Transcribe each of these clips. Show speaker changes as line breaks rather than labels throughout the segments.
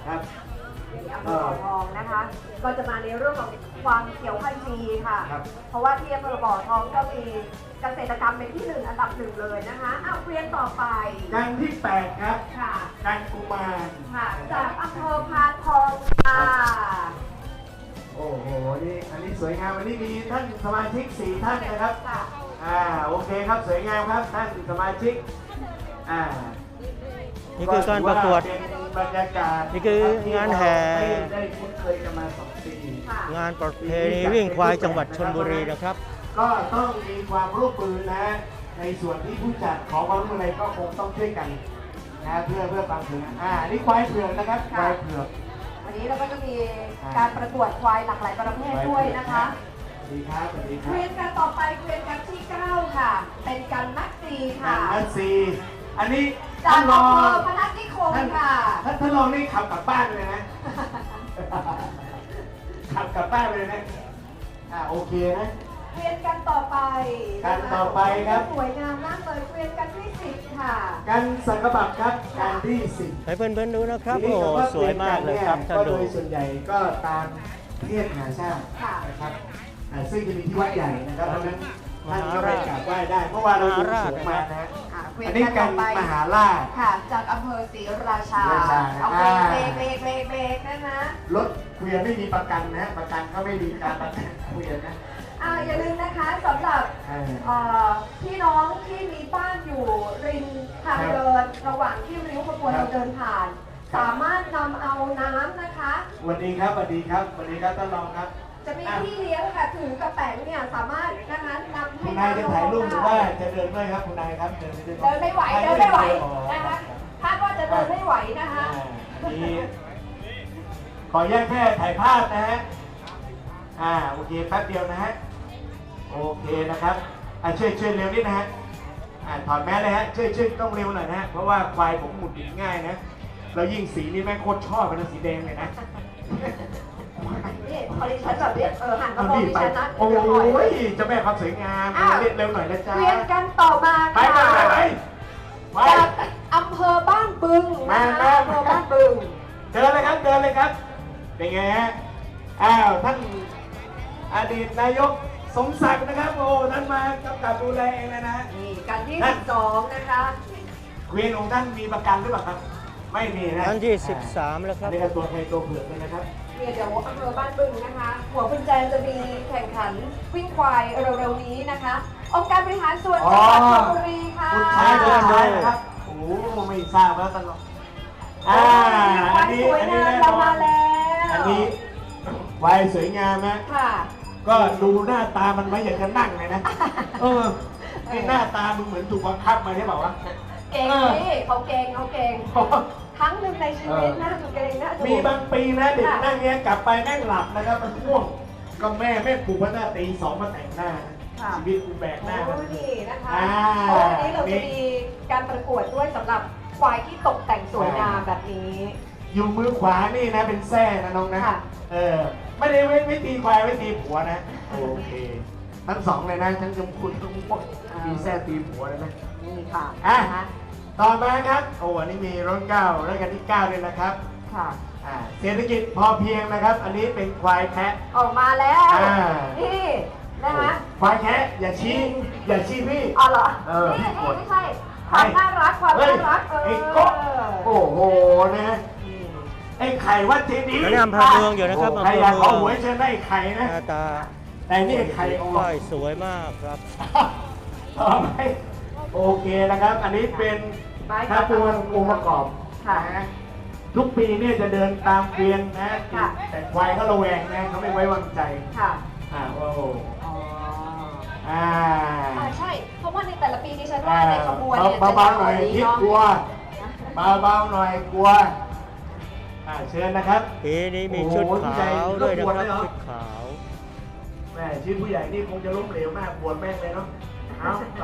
ครับ
ที่อำเภอบ่อทองนะคะ ก็จะมาในเรื่องของความเขียวขจีค่ะ เพราะว่าที่อำเภอบ่อทองก็มีเกษตรกรรมเป็นที่หนึ่งอันดับหนึ่งเลยนะคะอ้าวเรียนต่อไป
กันที่8ครับ
ค่ะ
กันกุมาร
ค่ะจากอำเภอพานทองค่ะ
โอ้โหนี่อันนี้สวยงามวันนี้มีท่านสมาชิก4ท่านนะครับ
ค่ะ
โอเคครับสวยงามครับท่านสมาชิก
นี่คือการประกวด
เป็นบรรยากาศ
นี่คืองานแห่
ได้คุ้นเคยกันมา2 ปี
ค่ะ
งานประเพณีวิ่งควายจังหวัดชลบุรีนะครับ
ก็ต้องมีความร่วมมือนะในส่วนที่ผู้จัดขอความร่วมมืออะไรก็คงต้องช่วยกันนะเพื่อความถึงนี่ควายเผือกนะครับควายเผือก
วันนี้เราก็จะมีการประกวดควายหลากหลายประเภทด้วยนะคะ
สวัสดีครับสวัสดีค
เก
รับ
วียนกันต่อไปเกวียนกันที่ 9 ค่ะ เป็นกันนักซีค่ะ
นัทซีอันนี้
จาก
ท่านร
อำ
อ
เภอพนัสนิคมค่ะ
ท่านรองนี่ขับกลับบ้านเลยนะ ขับกลับบ้านเลยนะโอเคนะ
เกวียนกันต่อไป
กันต่อไปครับ
สวยงามมากเลยเกวียนกันที่10ค่ะ
กันสังกบับครับการที่10
ให้เพื่อนๆดูนะครับ โอ้โหสวยมากเลยครับท่าน
ก็
ดู
โดยส่วนใหญ่ก็ตามเทียบหาชาตินะครับซึ่งจะมีที่วัดใหญ่นะครับเพราะฉะนั้นท่านก็ไปกราบไหว้ได้เพราะว่าเราอยู่สูงมานะ
เกวีย
อั
น
นนี้
กัน
กั
ต่อน ไป
มหาราช
ค่ะ จากอำเภอศรีราชา
ศรีราชา
เอาเบรกนะคะ
รถเกวียนไม่มีประกันนะ ประกันก็ไม่มีการประกันเกวียนนะ
อย่าลืมนะคะสำหรับพี่น้องที่มีบ้านอยู่ริมทางเดินระหว่างที่ริ้วขบวนเราเดินผ่าน สามารถนำเอาน้ำนะคะ
สวัสดีครับสวัสดีครับสวัสดีครับท่านรองครับ
จะมีที่เลี้ยงค่ะถือกระแป๋งเนี่ยสามารถนะคะนำให้
คุณนายจะถ่ายรูปหรือว่าจะเดินด้วยครับคุณนายครับเดิน
เดินไม่ไหวนะคะคาดว่าจะเดินไม่ไหวนะคะ
ขอแยกแค่ถ่ายภาพนะฮะโอเคแป๊บเดียวนะฮะโอเคนะครับช่วยเร็วนิดนะฮะถอดแมสเลยฮะช่วยต้องเร็วหน่อยนะฮะเพราะว่าควายผมหมุดหงิดง่ายนะแล้วยิ่งสีนี้แม่งโคตรชอบเป็นสีแดงเลยนะ
นี่พอดิฉันแบบนี้หันมามองดิฉันนะ
โอ้
เดี๋ยวหน่อย
ยเจะแม่ความสวยงามเร็วหน่อยนะจ๊ะ
เวียนกันต่อมา
ไป
ค่ะ จากอำเภอบ้านบึงนะคะอำเภอบ้านบึง
เดินเลยครับเป็นไงฮะท่านอดีตนายกสมศักดิ์นะครับโอ้ท่านมากำกับดูแลเองเลยนะ
นี่กันที่12นะคะ
เกวียนของท่านมีประกันหรือเปล่าครับไม่มีนะ
อันที่13แล้วครับ
นี่ก็ตัวไทยตัวเผือกเลยนะครับ
เนี่ยเดี๋ยวอำเภอบ้านบึงนะคะ หัวคุณแจนจะมีแข่งขันวิ่งควายเร็วๆนี้นะคะองค์การบริหารส่วนจังหวัดชลบุรีค่ะ
คุณชายนะครับโอ้ไม่ทราบแล้วท่านรอง
ควายสวยงามเรามาแล้ว
อันนี้ควายสวยงามนะ
ค่ะ
ก็ดูหน้าตามันไม่อยากจะนั่งเลยนะนี่หน้าตามึงเหมือนถูกบังคับมาใช่เปล่าวะ
เก่งนี่เขาเก่งครั้งหนึ่งในชีวิตน่าจะเก่งน่าจะ
มีบางปีนะเด็กนั่งเงี้ยกลับไปแม่งหลับนะครับมันง่วงก็แม่ปลุกว่าหน้าตี 2มาแต่งหน้าชีวิตกูแบกหน้า
โอ้นี่นะคะเพราะวันนี้เราจะมีการประกวดด้วยสำหรับควายที่ตกแต่งสวยงามแบบนี้
อยู่มือขวานี่นะเป็นแส้นะน้องนะไม่ได้ไม่ตีควายไม่ตีผัวนะโอเคทั้งสองเลยนะทั้งจมคุณทั้งพวกมีแส้ตีผัวเลยนะ
นี่ค่ะ
ต่อมาครับโอ้อันนี้มีรุ่น9รายการที่9เลยนะครับ
ค่ะ
เศรษฐกิจพอเพียงนะครับ อันนี้เป็นควายแพะ
ออกมาแล้วนี่นะคะ
ควายแพะอย่าชี้พี่
อ๋อเหรอนี่ไม่ใช่ความน่ารัก
ไอ้ก็โอ้โหนะไอ้ไข่วัดเจดีย์
อันนี้อำเภอเมืองอยู่นะครับ
ใคร
อำเภอ
อยาก
เมื
ขอ
อง
หวยเชิญได้ไข่
ห
นะ
น้าตา
แต่นี่ไข่ออก
ควายสวยมากครับ
ต่อไปโอเคนะครับ อันนี้เป็นถ้าตัวองค์ประกอบนะทุกปีเนี่ยจะเดินตามเกวียนนะแต่ควายเขาระแวงนะเขาไม่ไว้วางใจ
ค่ะ
โอ้โห
ใช่เพราะว่าในแต่ละปีดิฉันว่าในขบวนเนี่ย
เบาๆหน่อยคิดกลัวเบาๆหน่อยกลัวเชิญนะครับ
ปีนี้มีชุดขาวด้วยนะครับชุดขาว
แม่ชื่อผู้ใหญ่นี่คงจะล้มเหลวมากปวดแม่งเลยเนาะเอาไป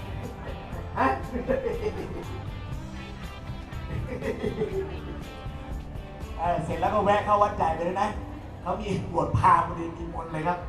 เสร็จแล้วก็แวะเข้าวัดใหญ่ไปเลยนะเขามีบวชพราหมณ์มีมนต์เลยครับ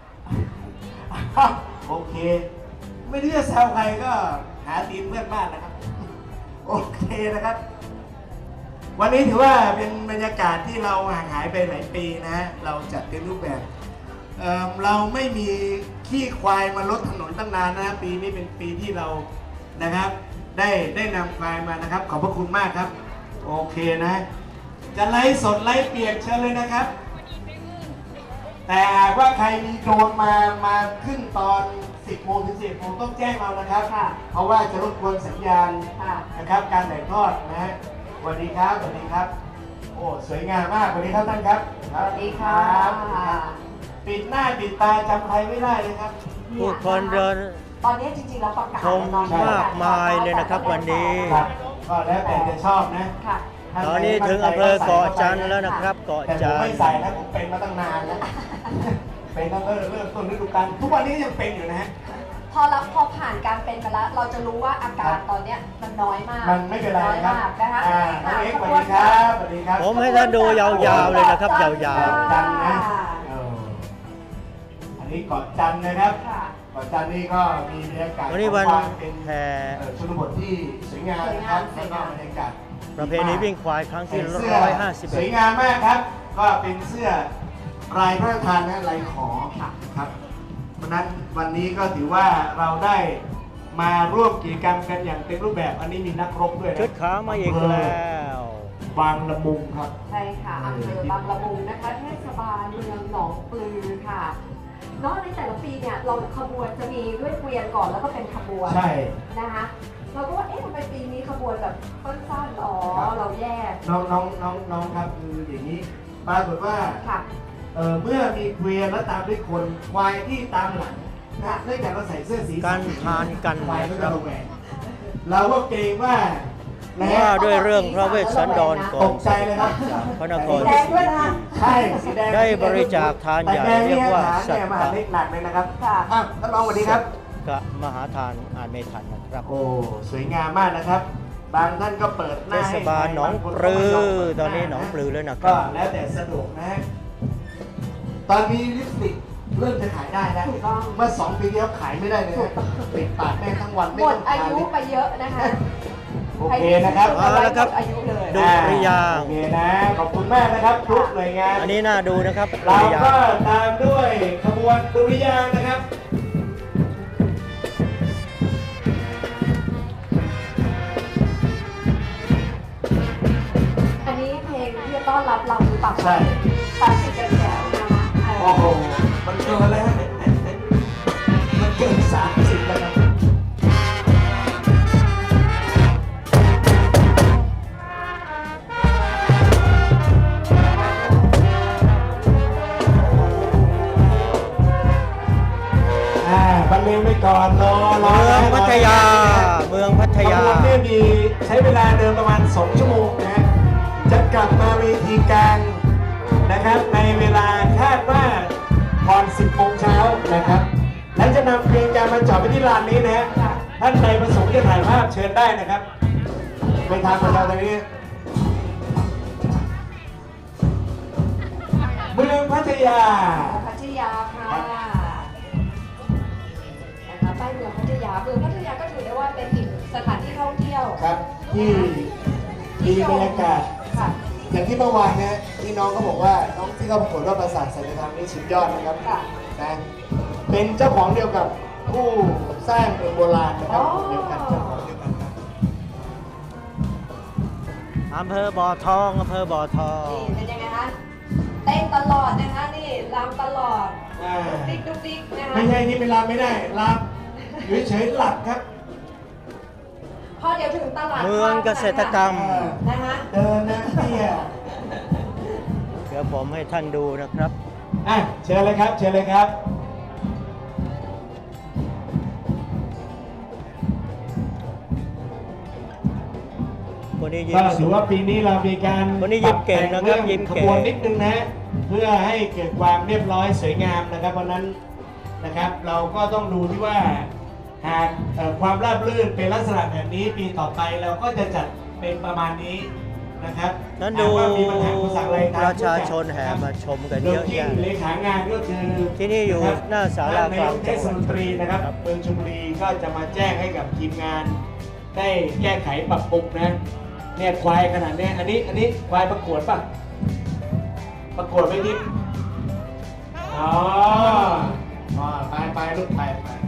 โอเคไม่รู้จะแซวใครก็หาตีนเพื่อนบ้านนะครับโอเคนะครับวันนี้ถือว่าเป็นบรรยากาศที่เราห่างหายไปหลายปีนะฮะเราจัดเต็มรูปแบบเราไม่มีขี้ควายมาลดถนนตั้งนานนะปีนี้เป็นปีที่เรานะครับได้นำควายมานะครับขอบพระคุณมากครับโอเคนะจะไลฟ์สดไลฟ์เปียกเชิญเลยนะครับแต่หากว่าใครมีโดรนมาขึ้นตอน 10 โมงถึง 11 โมงต้องแจ้งเรานะครับ
ค่ะ
เพราะว่าจะรบกวนสัญญาณ
ค่ะ
นะครับการถ่ายทอดนะฮะสวัสดีครับสวัสดีครับโอ้สวยงามมากสวัสดีครับท่านครับ
สวัสดีค่ะ
ปิดหน้าปิดตาจำใครไม่ได้เลยครับ
ผู้คนเดิน
ตอนนี้จริงๆเราประกาศ
ชมมากมายเลยนะครับวันนี้
ครับก็แล้วแต่จะชอบนะ
ค่ะ
ตอนนี้ถึงอำเภอเกาะจันทร์แล้วนะครับเกาะ
แต่ผ
จั
ม
นท
ไม่
ร์
ใส่นะผมเป็นมาตั้งนานแล้วเป็นตั้งแต่เริ่มต้นฤดูกาลทุกวันนี้ยังเป็นอยู่นะฮะ
พอผ่านการเป็นมาแล้ว เราจะรู้ว่าอาการตอนเนี้ยมันน้อยมาก
มันไม่เป็นไร
น้อย
ครับ
มากนะคะ
น้องเอ็กซ์สวัสดีครับสวัสดีครับ
ผมให้ท่านดูยาวๆเลยนะครับยาว
จันทร์นะอันนี้เกาะจันทร์นะครับ
ค่ะ
เกาะจันทร์นี่ก็มีบรรยากาศ
ๆวันนี้วัน
ความเป็น
แห่
ชนบทที่สวยงามนะครับแล้วก็บรรยากาศ
ประเพณีวิ่งควายครั้งที่
เสื้อสวย
151
งามมากครับ ก็เป็นเสื้อลายพระราชทานนะลายขอครับเพราะนั้นวันนี้ก็ถือว่าเราได้มาร่วมกิจกรรมกันอย่างเต็มรูปแบบอันนี้มีนักรบด้วยนะ
ชุดขาวมาอีกแล้ว
บางละมุงครับ
ใช่ค่ะอำเภอบางละมุงนะคะเทศบาลเมืองหนองปลือค่ะเนอกในแต่ละปีเนี่ยเราขบวนจะมีด้วยเกวียนก่อนแล้วก็เป็นขบวน
ใช่
นะคะเราก็ว่าเอ๊ะทำไมปีนี้ขบวนแบบสั้นๆอ๋อเราแยก
น้องครับคืออย่างนี้ปรากฏว่า
ค่ะ
เมื่อมีเกวียนแล้วตามด้วยคนควายที่ตามหลังนะเนื่องจากเราใส่เสื้อสี
การทานกัน
ควายก็
นะค
จะ
รับ
ระแวงเราก็เกรงว่านะ
ว่าด้วยเรื่องพระเวสสันดรก่อ
ต
น
กใจเลยครับ
จากพระนค
สี
ร
แดงด้วยนะ
ใช่สีแดง
ได้บริจาคทานใหญ่
แต่แดง
เรียกว่า
นี่
สัต
เนี่ย
ว์
มหาเล็กหนักเลยนะครับ
ค่ะ
อ่ะท่านรองสวัสดีครับ
กะมหาทานอ่านไม่ทันนะครับ
โอ้สวยงามมากนะครับ บางท่านก็เปิดห
เท
น้า
ศ
ให้
บาลหนองปลือตอนนี้หนองปลือแล้วนะค
ก็
รับ
แล้วแต่สะดวกนะฮะตอนนี้ลิปสติกเริ่มจะขายได้แล้ว
ถูกต้อง
เมื่อ2 ปีที่แล้วขายไม่ได้เลยนะปิดปากแม่ทั้งวัน
ห
ไม่
ม
ต้
ด
อง
อา
ทา
ยุ
ลิป
ไปเยอะนะคะ
โอเคนะครับ
เอาละครับ
หมดอายุเลย
ดุริยางค์
โอเคนะขอบคุณมากนะครับทุกหน่วยงาน
อันนี้น่าดูนะครับ
เรา
ดุริยาง
ก็
ค์
ตามด้วยขบวนดุริยางค์นะครับ
อันนี้เพลงที่จะต้อนรับเราหรือเปล่า
ใช่
ตัดสินกันแถวนะคะ
โอ้โหมันเกินแล้วมันเกิน30แล้วครับ บรรเลงไปก่อนรอ
เมืองพัทยา เมืองพัทยา
ขบวนเนี่ยมีใช้เวลาเดินประมาณ2 ชั่วโมงนะฮะจะกลับมาเวทีกลางนะครับในเวลาคาดว่าก่อน 10 โมงเช้านะครับ และจะนำเพลงการมาจอดไปที่ลานนี้นะฮะท่านใดประสงค์จะถ่ายภาพเชิญได้นะครับไปทางประชาชนนี้เมืองพัทยา
พัทยาค่ะนะคะป้ายเมืองพัทยา เมืองพัทยาก็ถือได้ว่าเป็นอีกสถานที่ท่องเที่ยว
ครับที่มีบรรยากาศ
ค่ะ
อย่างที่เมื่อวานนะที่น้องเขาบอกว่าน้องที่เขาประกวดว่าปราสาทสัจธรรมนี่สุดยอดนะครับ
ค่ะ
นะเป็นเจ้าของเดียวกับผู้สร้างเมืองโบราณนะครับเดียวกันเจ้าของเดียวกันครับ
อำเภอบ่อทองอำเภอบ่อทอง
นี่เป็นยังไงคะเต้นตลอดนะคะนี่รำตลอด
อ่า
ดิ๊กดุ๊กดิ๊กนะคะ
ไม่ใช่ที่เวลาไม่ได้รับอยู่เฉยๆหลับครับ
พอเดี๋ยวถึงตลาด
เมืองเกษตรกรรม
นะคะ
เดินนะเนี่ย
เดี๋ยวผมให้ท่านดูนะครับ
อ่ะเชิญเลยครับเชิญเลยครับ
คนนี้ยิ้
ก็
ม
ถือว่าปีนี้เรามีการ
วันนี้ยิ้มเก่งนะครับ
ปแต่
ยิ้ม
ข
เก่ง
บวนนิดนึงนะเพื่อให้เกิดความเรียบร้อยสวยงามนะครับเพราะนั้นนะครับเราก็ต้องดูที่ว่าหากความราบรื่นเป็นลักษณะแบบนี้ปีต่อไปเราก็จะจัดเป็นประมาณนี้นะครับ
นั้นดู
หากว่ามีปัญหาอุปสรรคอะไรต
ประชาชนแห่มาชมกัน
โด
เย
ย
อะ
ที่
แยะ
เลขางานก็คือ
ที่นี่อยู่
ะครับ
หน้าศาลากลาง
เทศมนตรีนะครับเมืองชลบุรีก็จะมาแจ้งให้กับทีมงาน ได้แก้ไขปรับปรุงนะเนี่ยควายขนาดเนี้ยอันนี้ควายประกวดป่ะประกวดไม่นิดอ๋อไปลูกไป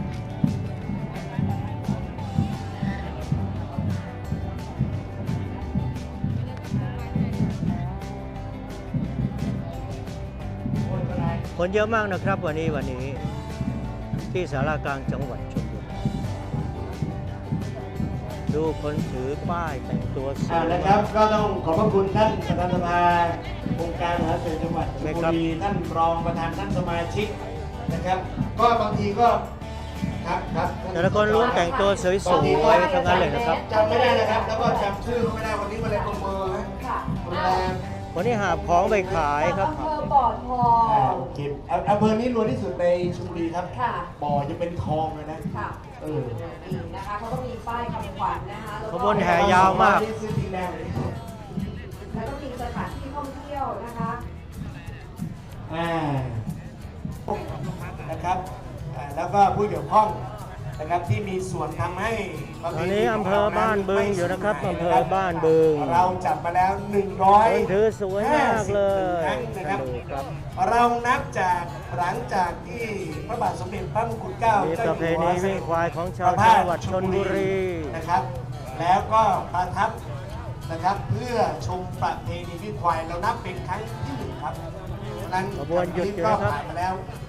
คนเยอะมากนะครับวันนี้ที่ศาลากลางจังหวัดชลบุรีดูคนถือป้ายแต่งตัวสวย
นะครับก็ต้องขอบพระคุณท่านประธานสภาองค์การมหาเศรษฐจังหวัดชลบุรีท่านรองประธานท่านสมาชิกนะครับก็บางทีก็ครับ
แต่ละคนล้วนแต่งตัวสวยๆทั้งนั้นเลยนะครับ
จำไม่ได้นะครับแล้วก็จำชื่อเขาไม่ได้วันนี้มาเลยประเมิน
ค่ะ
โรงแรม
วันนี้หาของไปขายครับ
อำเภอบ่อทอง
เก็บอำเภอนี้รวยที่สุดในชลบุรีครับ
ค่ะ
บ่อจะเป็นคลองเลยนะ
ค่ะ นี่นะคะเขาก็มีป้ายคำขวัญนะคะแล้ว
ข
ก็
บวนแห่ยาวมาก
นี่ซื้อทีแรกเลย
แล้วก็มีสถานที่ท่องเที่ยวนะคะ
นะครับแล้วก็ผู้เกี่ยวข้องนะครับที่มีส่วนทำให้
ตอนนี้อำเภอบ้านบึงอยู่นะครับอำเภอบ้านบึง
เราจับมาแล้ว
คนถือสวยมากเลย
ครั้งนะครับ
ดูครับ
เรานับจากหลังจากที่พระบาทสมเด็จพระมงกุฎเกล้า
มี
เจ้า
ประเพ
อยู่
ณี
หัว
วิ่งควายของชาวจังหวัดชลบุรี
นะครับ แล้วก็ประทับนะครับเพื่อชมประเพณีวิ่งควายเรานับเป็นครั้งที่หนึ่งครับฉะนั้น
ขบวนหยุดอยู่
ก็
นะครับ
ผ่านมาแล้ว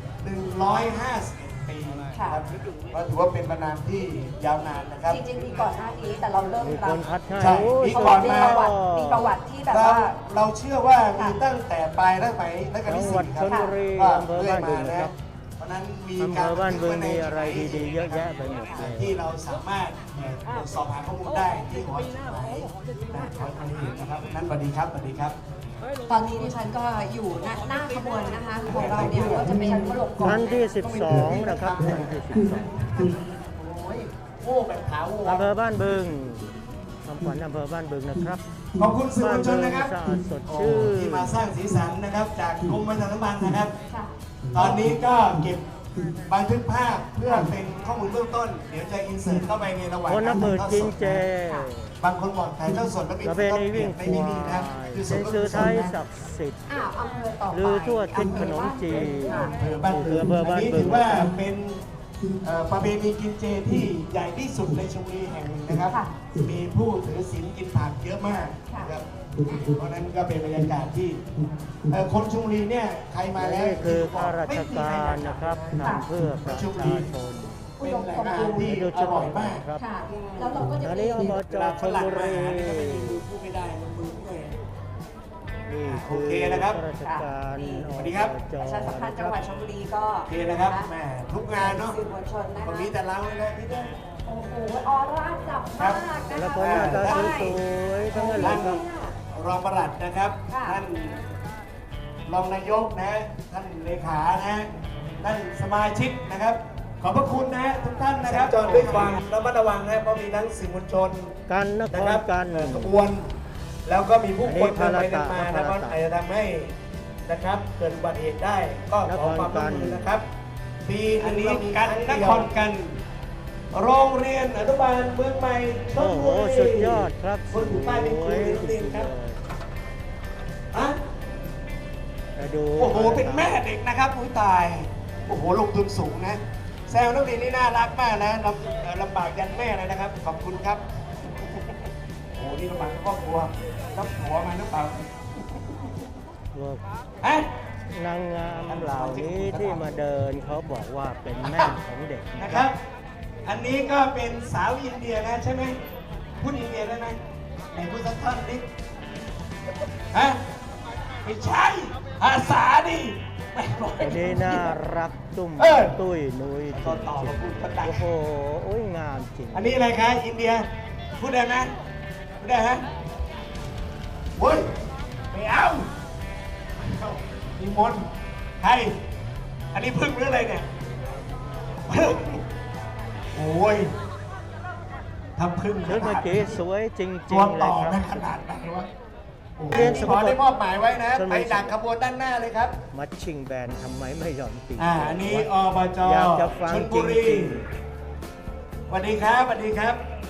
151 ปีครับก็ถือว่าเป็นมานานที่ยาวนานนะครับ
จริงๆมีก่อนหน้านี้แต่เราเริ่ม
มี
รั
ค
บ
นพัดให้
ใช่
โอ้ย
มี
ส
ก่
ว
อน
ย
มี
มา
ป
ก
ระวัติมีประวัติที่แบบ
เรา
ว่า
เราเชื่อว่ามีตั้งแต่ปลายรัชสมัยรัชกาลที่
จังหวั
สี่
ด
ครั
ชลบุรี
ก็
อำเภอ
เรื่อย
บ้านบึ
มาง
นะครั
นะ
บ
เพราะนั้นมี
อำเภ
การ
อบ้านบึงมีอะไรดีๆเยอะแยะไปหมดเลย
ที่เราสามารถตรวจสอบหาข้อมูลได้ที่หอจดหมายหอจดหมายนะครับนั้นสวัสดีครับสวัสดีครับ
ตอนนี้ดิฉันก็อยู่หน้าขบวนนะคะของเราเนี่ยก็จะเป็นขนมกล่อง
ท่านที่ 12 นะครับท่านที่
โอ้ยโง่แบบขาวโง่
12อำเภอบ้านบึงคำขวัญอำเภอบ้านบึงนะครับ
ขอบคุณสื่อมวลชนนะครับ
บ้านบึงสะอาดสดชื่น
ที่มาสร้างสีสันนะครับจากกรมประชาสัมพันธ์นะครับ
ค่ะ
ตอนนี้ก็เก็บบันทึกภาพเพื่อเป็นข้อมูลเบื้องต้น เดี๋ยวจะอินเสิร์ตเข้าไปในระหว่าง
คนนับหมื่นจินเจ
บางคนบอกถ่ายเท่าสดแล้วมี
ประเพณีวิ่งค
ไม่
วา
มีนะครับ
ย
คือส
เป็
ด
น
ก็
สื่อไทย
สดนะ
ศักดิ์สิทธิ์
อ้าวอำเภอต่อไป
ลือทั่วทิศขนมจีน
ค่ะ
อำเภอบ้านบึง
อำเภอบ้านบึง
อันนี้ถือว่าเป็นประเพณีกินเจที่ใหญ่ที่สุดในชลบุรีแห่งหนึ่งนะครับ
ค่ะ
มีผู้ถือศีลกินผักเยอะมากนะครับเพราะฉะนั้นก็เป็นบรรยากาศที่คนชลบุรีเนี่ยใครมาแล้ว
นี่คือข้าราชการนะครับทำเพื่อประชาชน
เป็นแหล่งอาหารที่อร่อยมาก
ครับ
ค่ะ แล้วเราก็จะ
อัน
มี
นี้อบจชลบุรี
พูดไม่ได้ลงมือด้วย
นี่
โอ
คือ
เคนะครับ
ข้าราชการ
สวัสดีครับ
อบจ
ประชาสัมพันธ์จังหวัดชลบุรีก็
โอเคนะครับแหมทุกงานเนาะ
สื่อมวลชนนะ
วัน
คะ
นี้แต่เราเลยนะพี่เต้
โอ้โหออร่าจับมากนะคะ
แต่ละคนหน้าตาสวยๆทั้งนั้นเลยครับ
รองปลัดนะครับ
ค่ะ
ท่านรองนายกนะท่านเลขานะท่านสมาชิกนะครับ ขอบพระคุณนะทุกท่านนะครับจอดด้วยความระมัดระวังนะเพราะมีทั้งสื่อมวลชน
กันนค
นะ
ร
ครับ
กัน
ขบวน แล้วก็มีผู้คน
อันนี้
เดินไปเดินมา
พาราตะ
นะมันอาจจะทำให้นะครับเกิดอุบัติเหตุได้ ก็ขอความร่วมมือนะครับปีอันนี้กันนครกัน โรงเรียนอนุบาลเมืองใหม่ช
โอ้
ล
โห
บุรี
สุดยอดครับ
คนถือป้ายเป็นครูในโรงเรียนครับฮะ
ไปดู
โอ้โห เป็นแม่เด็กนะครับอุ้ยตาย โอ้โห ลงทุนสูงนะ แซวนักเรียนนี่น่ารักมากนะลำบากยันแม่เลยนะครับ ขอบคุณครับ โอ้โห นี่ลำบากทั้งครอบครัวรับหัวมาหรือเปล่า
พวก
ฮะ
นางงามเหล่านี้ที่มาเดินเขาบอกว่าเป็นแม่ของเด็ก
นะครับ อันนี้ก็เป็นสาวอินเดียนะใช่ไหมพูดอินเดียได้ไหมไหนพูดสักท่อนนิดฮะ ไม่ใช่ภาษาดิไม่บอก
วันนี้น่ารักตุ้ม
เออ
ตุ้ยนุ้ยจ
ก็ต่อ
ริ
มาง พูดภาษา
ๆโอ้โหโอ้ยงามจริง
อันนี้อะไรคะอินเดีย พูดได้ไหมพูดได้ฮะเว้ยไม่เอามีมนต์ใคร อันนี้พึ่งหรืออะไรเนี่ยพึ่งโอ้ยทำพึ่ง
ชุดเมื่อกี้สวยจริ
ตัว
งๆเล
ต่
ย
อ
ครับ
นะขนาดไหนวะโอ้โห
เรียนสม
ข
บู
อ
รณ์
ได้มอบหมายไว้นะ
สมบูรณ์
ไปดักขบวนด้านหน้าเลยครับ
มัดชิงแบนทำไมไม่ยอมตี
อันนี้อบจ
อยากจะฟัง
ชล
จ
บุรี
ริง
สวัสดีครับสวัสดีครับ
ๆ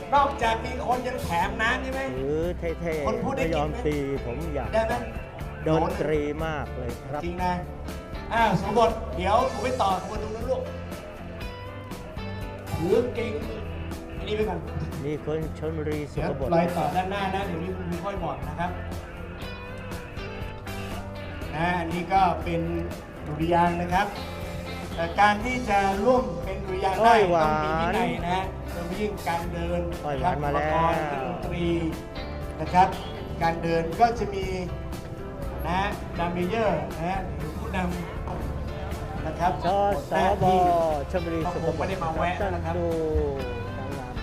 นอกจากมีคนยังแถมน้ำใช่ไหม
หรือเท่
คนพูด
ๆ
ได้
ไม่ยอม
จริงไหม
ตีผมอยาก
ได้ไหม
ดนตรีมากเลยครับ
จริงนะสมบทเดี๋ยวผมไปต่อคนตรงนั้นลูกถือเก่งอันนี้ไปก่อน
มีคนชนบุรีสุ
เดี๋ยว
ขบด
รอยต่อด้านหน้านะเดี๋ยวนี้คุณค่อยบอกนะครับอันนี้ก็เป็นดุริยางค์นะครับแต่การที่จะร่วมเป็นดุริยางค์ได้ต้องมีวินัยนะฮะโดยเฉพาะยิ่งการเดิน
อ้อยหวานมาแล้ว
อุปกรณ์เครื่องดนตรีนะครับ การเดินก็จะมีนะดัมเมเยอร์นะฮะหรือผู้นำนะครับ
ชสบชลบุรีสุข
ผม
บ
ไม่
ด
ได้มาแวะนะครับ
ดูนางงาม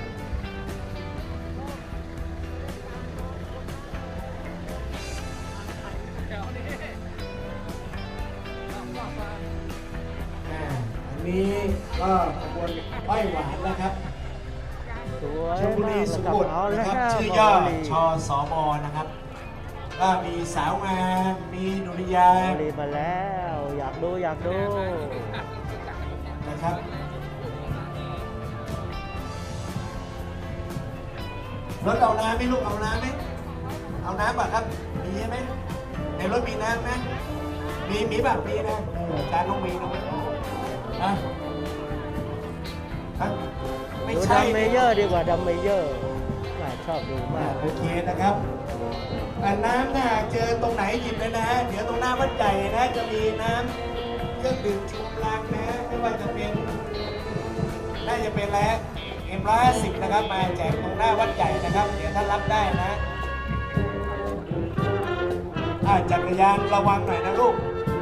อันนี้ก็ขบวนอ้อยหวานนะครับ
สวย
ชลบุรี
มาก
สุ
นะ
ขุ
ค
ม
รับเอาแล้ว
นะครับ
ครับ
ชื่อย่อ
บุรี
ชสบนะครับ ก็มีสาวงามมีดุริยาง
บุ
ค์
รีมาแล้ว อยากดู
นะครับรถเอาน้ำไหมลูกเอาน้ำไหมเอาน้ำป่ะครับมีใช่ไหมในรถมีน้ำไหมมีแบบมีนะการต้องมีนะครับไม่
ดู
ใช่
ดัมเมเยอร์ดีกว่าดัมเมเยอร์ชอบดูมาก
โอเคนะครับน้ำถ้าเจอตรงไหนหยิบเลยนะฮะเดี๋ยวตรงหน้าวัดใหญ่นะจะมีน้ำเครื่องดื่มชูกำลังนะไม่ว่าจะเป็นน่าจะเป็นแล้วM150นะครับมาแจกตรงหน้าวัดใหญ่นะครับ เดี๋ยวท่านรับได้นะจักรยานระวังหน่อยนะลูก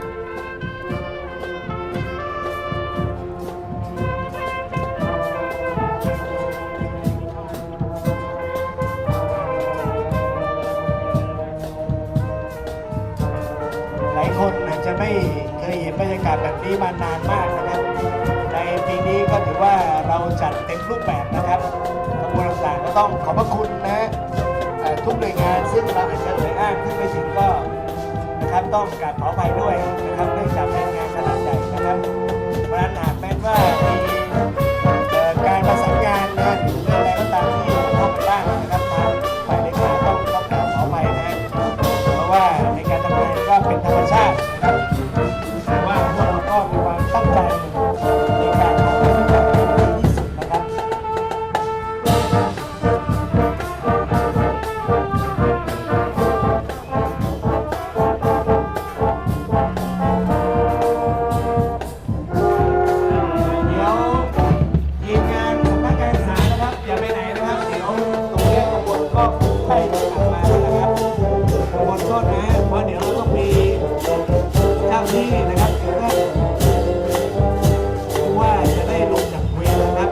หลายคนอาจจะไม่เคยเห็นบรรยากาศแบบนี้มานานมากนะครับ ในปีนี้ก็ถือว่าเราจัดเต็มรูปแบบนะครับขบวนต่างๆก็ต้องขอบพระคุณนะทุกหน่วยงานซึ่งเราอาจจะเอ่ยอ้างขึ้นไปถึงก็นะครับต้องกราบขออภัยด้วยนะครับเนื่องจากเป็นงานขนาดใหญ่นะครับเพราะฉะนั้นหากแม้ว่ามีการประสานงานนะหรือเรื่องอะไรก็ตามที่เข้าไปบ้างนะครับทางฝ่ายเลขาต้องกราบขออภัยนะเพราะว่าในการทำงานก็เป็นธรรมชาตินะครับแต่ว่าพวกเราก็มีความตั้งใจในการทำให้ดีที่สุดนะครับ เดี๋ยวทีมงานสำนักการศึกษานะครับ อย่าไปไหนนะครับ เดี๋ยวตรงนี้ขบวนก็ใกล้จะกลับมาแล้วนะครับขบวนโทษนะเพราะเดี๋ยวเราต้องมีเจ้าที่นะครับเพื่อผู้ว่าจะได้ลงจากเวรนะครับ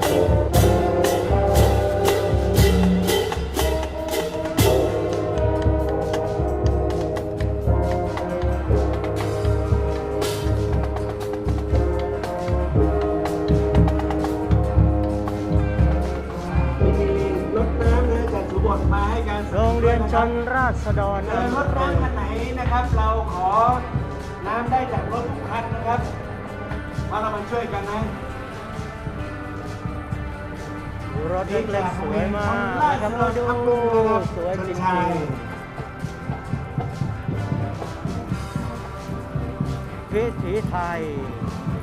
รถน้ำนะจากสุบทมาให้การ
โรงเรียนชนราษฎร
รถน้ำคันไหนนะครับ เราขอน้ำได้จากรถทุกคันนะครับมาเรามาช่วยกันนะ
รถเล็กๆสวยมากนะครับมาดูสวยจริงๆวิถีไทย